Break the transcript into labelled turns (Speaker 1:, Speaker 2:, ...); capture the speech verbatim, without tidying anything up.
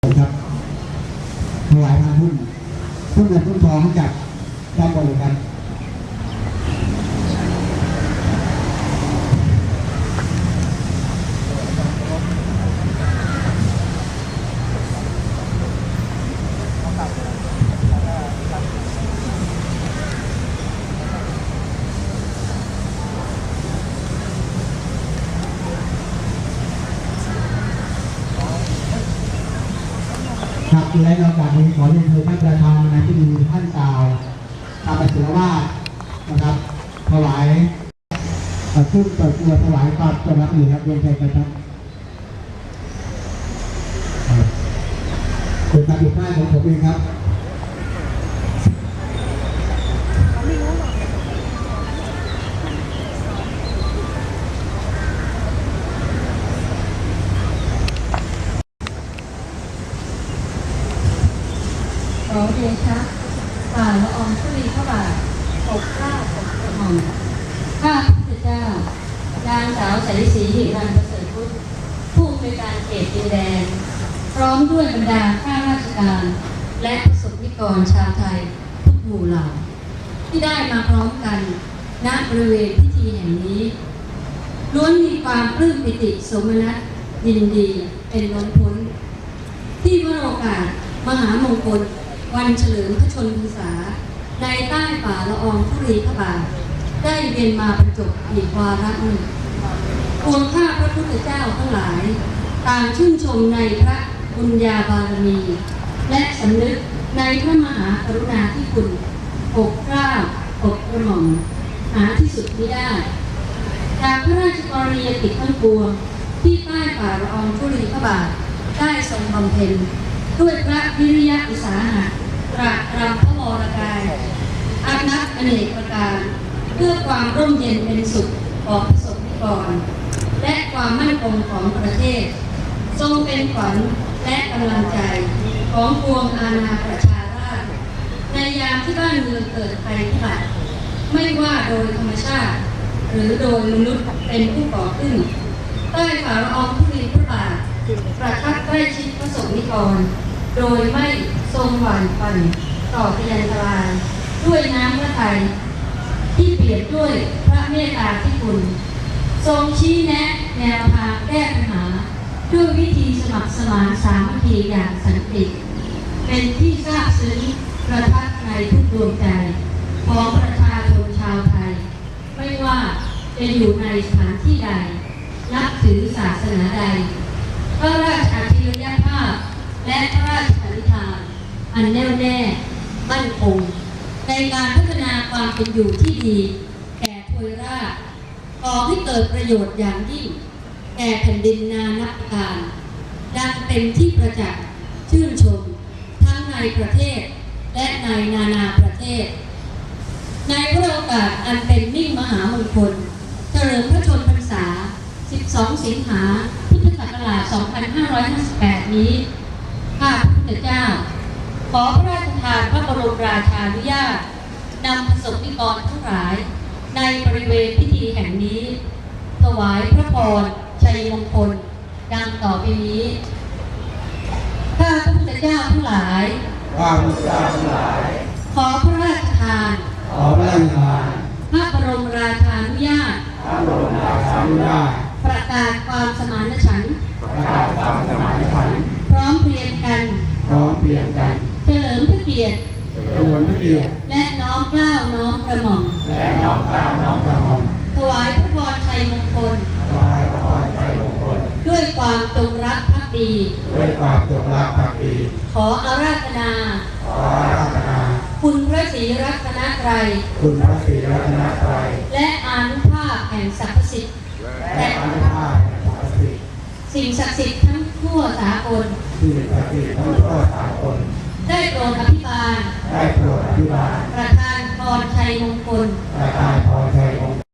Speaker 1: ครับถวายพานหุ้นหุ้นเงินหุ้นทองให้กับด้านบนเลยครับครับและในโอกาสนี้ขอเรียนเชิญท่านประธานในพิธีท่านกล่าวตามประสิทธิวาสนะครับถวายขึ้นเปิดตัวถวายความจงรักภักดีครับเรียนเชิญครับเป็นการดูป้ายของผมเองครับ
Speaker 2: ขอเดชะฝ่าละอองธุลีพระบาทปกเกล้าปกกระหม่อมข้าพระพุทธเจ้านางสาวใสศรีหิรันประเสริฐพุทธผู้อำนวยการเขตดินแดงพร้อมด้วยบรรดาข้าราชการและประสบนิกรชาวไทยทุกหมู่เหล่าที่ได้มาพร้อมกันณบริเวณพิธีแห่งนี้ล้วนมีความปลื้มปิติสมนัสยินดีเป็นล้นพ้นที่วโอกาสมหามงคลวันเฉลิมพระชนมพรรษาในใต้ฝ่าละอองธุลีพระบาทได้เวียนมาบรรจบอีกวาระหนึ่งปวงข้าพระพุทธเจ้าทั้งหลายต่างชื่นชมในพระบุญญาบารมี และสำนึกในพระมหากรุณาธิคุณปกเกล้าปกกระหม่อมหาที่สุดมิได้จากพระราชกรณียกิจทั้งปวงที่ใต้ฝ่าละอองธุลีพระบาทได้ทรงบำเพ็ญด้วยพระวิริยะอุตสาหะตรากตรำพระวรกายอานับอเนกประการเพื่อความร่มเย็นเป็นสุขของประสบนิกรและความมั่นคงของประเทศทรงเป็นขวัญและกำลังใจของปวงอาณาประชาราษฎร์ในยามที่บ้านเมืองเกิดภัยพิบัติไม่ว่าโดยธรรมชาติหรือโดยมนุษย์เป็นผู้ก่อขึ้นใต้ฝ่าละอองธุลีพระบาทประทับใกล้ชิดประสบนิกรโดยไม่ทรงหวั่นปั่นต่อพยันตรายด้วยน้ำพระทัยที่เปรียบด้วยพระเมตตาที่คุณทรงชี้แนะแนวทางแก้ปัญหาด้วยวิธีสมัครสมานสามัคคีอย่างสันติเป็นที่ทราบซึ้งประทับในทุกดวงใจของประชาชนชาวไทยไม่ว่าจะอยู่ในสถานที่ใดนับถือศาสนาใดพระราชอัจฉริยภาพและพระราชปณิธานอันแน่วแน่มั่นคงในการพัฒนาความเป็นอยู่ที่ดีแก่ทวยราชก่อให้เกิดประโยชน์อย่างยิ่งแก่แผ่นดินนานับการดังเป็นที่ประจักษ์ชื่นชมทั้งในประเทศและในนานาประเทศในพระโอกาสอันเป็นมิ่งมหามงคลเฉลิมพระชนมพรรษาสิบสองสิงหาพุทธศักราชสองพันห้าร้อยห้าสิบแปดนี้ข้าพระพุทธเจ้าขอพระราชทานพระบรมราชานุญาตนำประสบนิกรทั้งหลายในบริเวณพิธีแห่งนี้ถวายพระพรชัยมงคลดังต่อไปนี้ข้าพระพุทธเจ้าทั้งหลาย
Speaker 1: ข้าพระพุทธเจ้าทั้งหลาย
Speaker 2: ขอพระราชทาน
Speaker 1: ขอพระราชทาน
Speaker 2: พระบรมราชานุญาต
Speaker 1: พระบรมราชานุญาต
Speaker 2: ประกาศความสมานฉันท์
Speaker 1: ประกาศความสมานฉันท์
Speaker 2: พร้อมเพรียงกัน
Speaker 1: พร้อมเพรียงกัน
Speaker 2: เฉลิมพระเกียรติ
Speaker 1: เฉลิมพระเกียรติ
Speaker 2: และน้อมเกล้าน้อมกระหม่อม
Speaker 1: และน้อมเกล้าน้อมกระหม่อม
Speaker 2: ถวายพระพรชัยมงคล
Speaker 1: ถวายพระพรชัยมงคล
Speaker 2: ด้วยความจงรักภักดี
Speaker 1: ด้วยความจงรักภักดี
Speaker 2: ขออาราธนา
Speaker 1: ขออาราธนา
Speaker 2: คุณพระศรีรัตนตรัย
Speaker 1: คุณพระศรีรัตนตรัย
Speaker 2: และอานุภาพแห่งสรรพสิทธิ์
Speaker 1: และอานุภาพแห่งสรรพสิทธิ์
Speaker 2: สิ่งศักดิ์สิทธิ์ทั้งทั่วสากล
Speaker 1: สิ่งศักดิ์สิทธิ์ทั้งทั่วสากล
Speaker 2: ได้โปรดอภิบาล
Speaker 1: ได้โปรดอภิบาล
Speaker 2: ประทานพรชัยมงคล
Speaker 1: ประทานพรชัยมงคล